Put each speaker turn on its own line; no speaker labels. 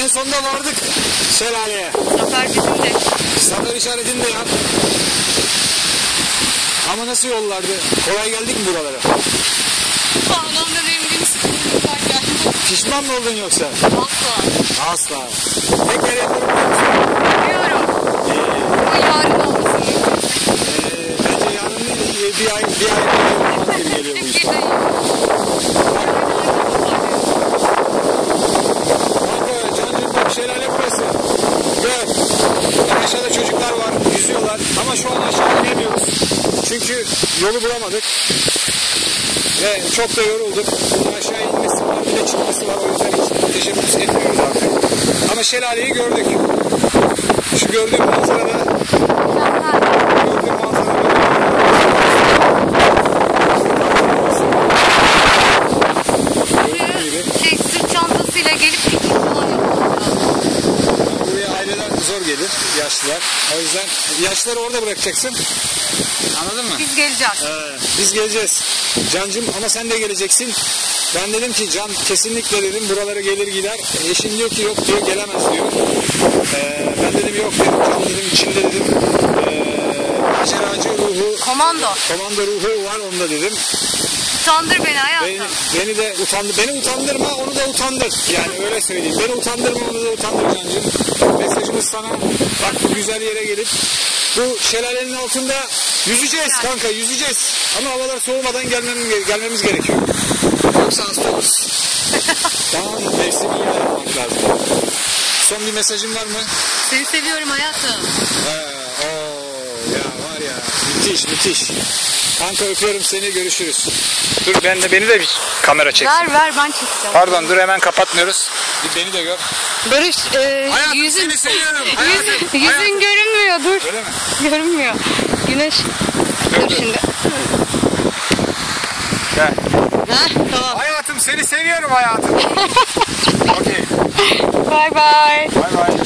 sonunda vardık şelaleye.
Zafer bizim de.
Zafer işaretini de yap. Ama nasıl yollardı? Kolay geldik mi buralara?
Sağlamdan eminim sıkıntımdan geldim.
Pişman mı oldun yoksa?
Asla.
Asla. Tekrar yapalım.
Biliyorum. Ama yarın olmasın.
Bence yarın değil, bir ay olmaz gibi geliyor bu iş. Kanka, Cancığım bak şelale burası. Gör. Aşağıda çocuklar var, yüzüyorlar. Ama şu an aşağı inemiyoruz. Çünkü yolu bulamadık. Ve çok da yorulduk. Bunun aşağı inmesi var, bir de çıkması var. O yüzden hiç teşebbüs etmiyoruz artık. Ama şelaleyi gördük. Şu gördüğüm manzarada
sırt çantasıyla gelip piknik falan yapmak lazım.
buraya aileler zor gelir, yaşlılar. O yüzden yaşlıları orada bırakacaksın. Anladın mı?
Biz geleceğiz.
Biz geleceğiz. Cancım ama sen de geleceksin. Ben dedim ki Can kesinlikle dedim buralara gelir gider. Eşim diyor ki yok diyor gelemez diyor. Ben dedim yok dedim Can dedim içinde dedim maceracı ruhu.
Komando
Ruhu var onda dedim.
Utandır beni hayatım.
Beni de utandır. Beni utandırma onu da utandır. Yani öyle söyleyeyim. Beni utandırma onu da utandır Cancım. Mesajımız sana bak bu güzel yere gelip bu şelalenin altında yüzeceğiz kanka yüzeceğiz. Ama havalar soğumadan gelmemiz gerekiyor. Yoksa hasta oluruz. Tamam mevsimini yapmak lazım. Son bir mesajın var mı?
Seni seviyorum hayatım.
Ya var ya müthiş. Kanka öpüyorum seni görüşürüz. Dur beni de bir kamera çeksin.
Ver ben çekeceğim.
Pardon dur hemen kapatmıyoruz. Bir beni de gör.
Barış
Hayatım seni seviyorum.
Yüzün görünmüyor dur.
Öyle mi?
Görünmüyor. Güneş. Dur şimdi.
Gel.
Tamam.
Hayatım seni seviyorum hayatım. Okey.
Bye bye.
Bye bye.